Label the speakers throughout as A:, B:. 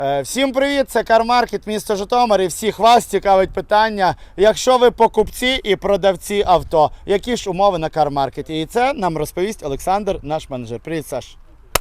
A: Всім привіт, це Кармаркет, місто Житомир, і всіх вас цікавить питання, якщо ви покупці і продавці авто, які ж умови на Кармаркеті? І це нам розповість Олександр, наш менеджер. Привіт, Саш.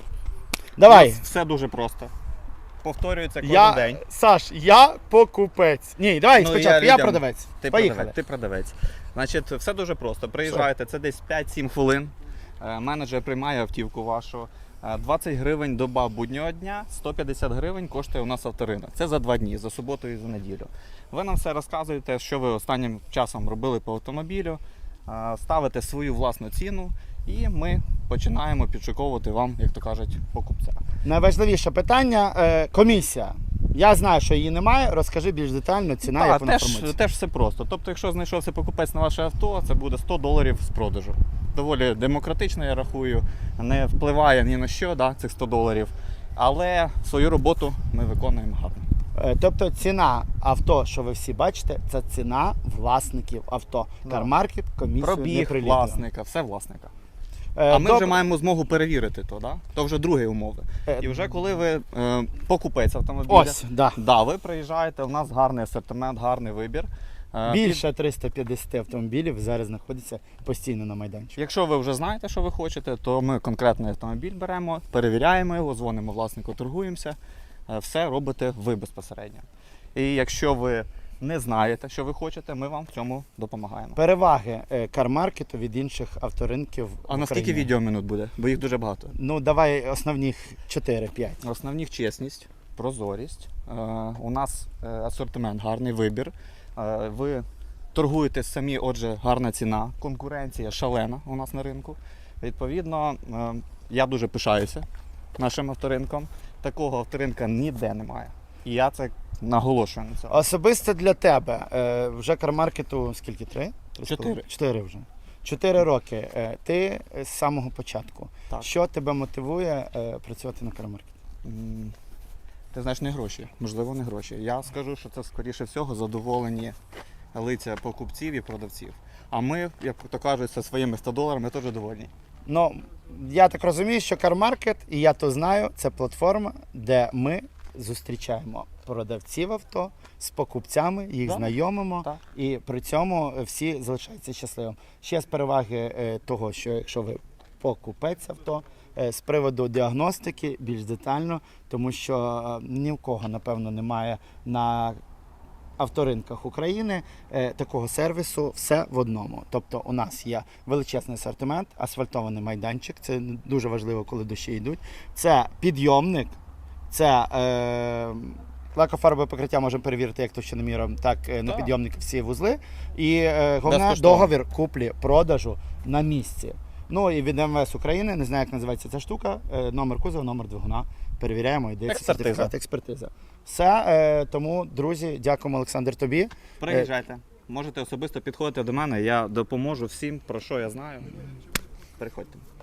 A: Давай.
B: Все дуже просто. Повторюється кожен день.
A: Саш, я покупець. Ні, давай спочатку, я продавець. Поїхали.
B: Ти продавець. Значить, все дуже просто. Приїжджаєте, це десь 5-7 хвилин. Менеджер приймає автівку вашу. 20 гривень доба буднього дня, 150 гривень коштує у нас авторинок. Це за 2 дні, за суботу і за неділю. Ви нам все розказуєте, що ви останнім часом робили по автомобілю, ставите свою власну ціну і ми починаємо підшуковувати вам, як то кажуть, покупця.
A: Найважливіше питання – комісія. Я знаю, що її немає, розкажи більш детально, ціна, як вона формується.
B: Теж все просто. Тобто, якщо знайшовся покупець на ваше авто, це буде $100 з продажу. Доволі демократично, я рахую, не впливає ні на що, цих $100. Але свою роботу ми виконуємо гарно.
A: Тобто ціна авто, що ви всі бачите, це ціна власників авто. Кармаркет, комісію не
B: Пробіг
A: приліплено.
B: власника, все власника. А ми вже маємо змогу перевірити то вже другі умови. І вже коли ви покупець автомобіля, ви приїжджаєте, у нас гарний асортимент, гарний вибір.
A: Більше 350 автомобілів зараз знаходяться постійно на майданчику.
B: Якщо ви вже знаєте, що ви хочете, то ми конкретний автомобіль беремо, перевіряємо його, дзвонимо власнику, торгуємося. Все робите ви безпосередньо. І якщо ви не знаєте, що ви хочете, ми вам в цьому допомагаємо.
A: Переваги Кармаркету від інших авторинків в
B: А на скільки відеоминут буде? Бо їх дуже багато.
A: Ну, давай основних 4-5.
B: Основних чесність, прозорість. У нас асортимент, гарний вибір. Ви торгуєте самі, отже, гарна ціна, конкуренція шалена у нас на ринку. Відповідно, я дуже пишаюся нашим авторинком. Такого авторинка ніде немає. І я це наголошую на цьому.
A: Особисто для тебе, вже Кармаркету скільки? 3? 4 вже. 4 роки. Ти з самого початку.
B: Так.
A: Що тебе мотивує працювати на Кармаркеті?
B: Ти знаєш, не гроші. Можливо, не гроші. Я скажу, що це, скоріше всього, задоволені лиця покупців і продавців. А ми, як то кажуть, зі своїми $100 теж довольні.
A: Ну, я так розумію, що Кармаркет, і я то знаю, це платформа, де ми зустрічаємо продавців авто з покупцями, їх знайомимо, і при цьому всі залишаються щасливими. Ще з переваги того, що якщо ви покупець авто, з приводу діагностики більш детально, тому що ні в кого, напевно, немає на авторинках України такого сервісу «все в одному». Тобто у нас є величезний асортимент, асфальтований майданчик, це дуже важливо, коли дощі йдуть, це підйомник, це лакофарбове покриття можемо перевірити як товщиноміром, так на підйомник всі вузли. І головне, договір куплі-продажу на місці. Ну і від МВС України, не знаю, як називається ця штука, номер кузова, номер двигуна. Перевіряємо, йде сертифікат, експертиза. Все, тому, друзі, дякуємо, Олександр, тобі.
B: Приїжджайте, можете особисто підходити до мене, я допоможу всім, про що я знаю. Приходьте.